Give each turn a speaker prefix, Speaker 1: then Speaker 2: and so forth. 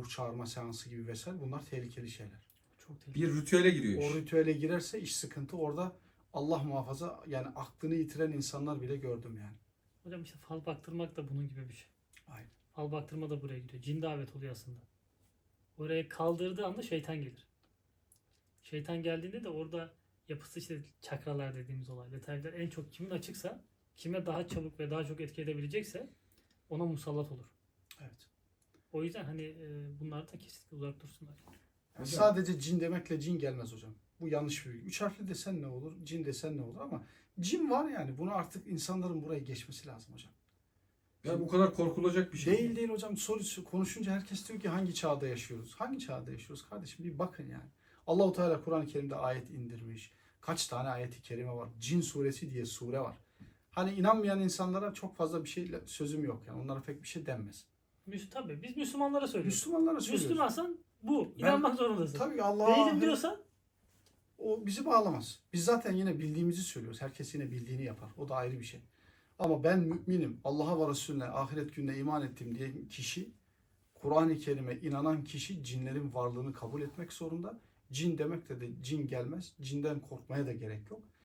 Speaker 1: ruh çağırma seansı gibi vesaire, bunlar tehlikeli şeyler.
Speaker 2: Çok tehlikeli.
Speaker 3: Bir ritüele giriyor
Speaker 1: O
Speaker 3: iş.
Speaker 1: ritüele girerse iş sıkıntı. Orada Allah muhafaza, yani aklını yitiren insanlar bile gördüm yani.
Speaker 2: Hocam işte fal baktırmak da bunun gibi bir şey.
Speaker 1: Aynen.
Speaker 2: Fal baktırma da buraya gidiyor. Cin davet oluyor aslında. Oraya kaldırdığı anda şeytan gelir. Şeytan geldiğinde de orada yapısı işte çakralar dediğimiz olay. Detaylar en çok kimin açıksa, kime daha çabuk ve daha çok etki edebilecekse ona musallat olur.
Speaker 1: Evet.
Speaker 2: O yüzden hani bunlar da kesinlikle uzak dursunlar.
Speaker 1: Yani sadece cin demekle cin gelmez hocam. Bu yanlış bir bilgi. 3 harfli desen ne olur, cin desen ne olur, ama cin var yani. Bunu artık insanların buraya geçmesi lazım hocam.
Speaker 3: Ya bu kadar korkulacak bir şey.
Speaker 1: Değil hocam. Konuşunca herkes diyor ki hangi çağda yaşıyoruz? Hangi çağda yaşıyoruz kardeşim? Bir bakın yani. Allahu Teala Kur'an-ı Kerim'de ayet indirmiş. Kaç tane ayeti kerime var? Cin suresi diye sure var. Hani inanmayan insanlara çok fazla bir şey sözüm yok yani. Onlara pek bir şey denmez.
Speaker 2: Tabii biz Müslümanlara söylüyoruz.
Speaker 1: Müslümanlara söylüyoruz.
Speaker 2: Müslümansan bu.
Speaker 1: Ben-
Speaker 2: İnanmak zorundasın.
Speaker 1: Tabii Allah'a
Speaker 2: Değilim diyorsan
Speaker 1: o bizi bağlamaz. Biz zaten yine bildiğimizi söylüyoruz. Herkes yine bildiğini yapar. O da ayrı bir şey. Ama ben müminim, Allah'a ve Resulüne, ahiret gününe iman ettim diye kişi, Kur'an-ı Kerim'e inanan kişi cinlerin varlığını kabul etmek zorunda. Cin demek de cin gelmez. Cinden korkmaya da gerek yok.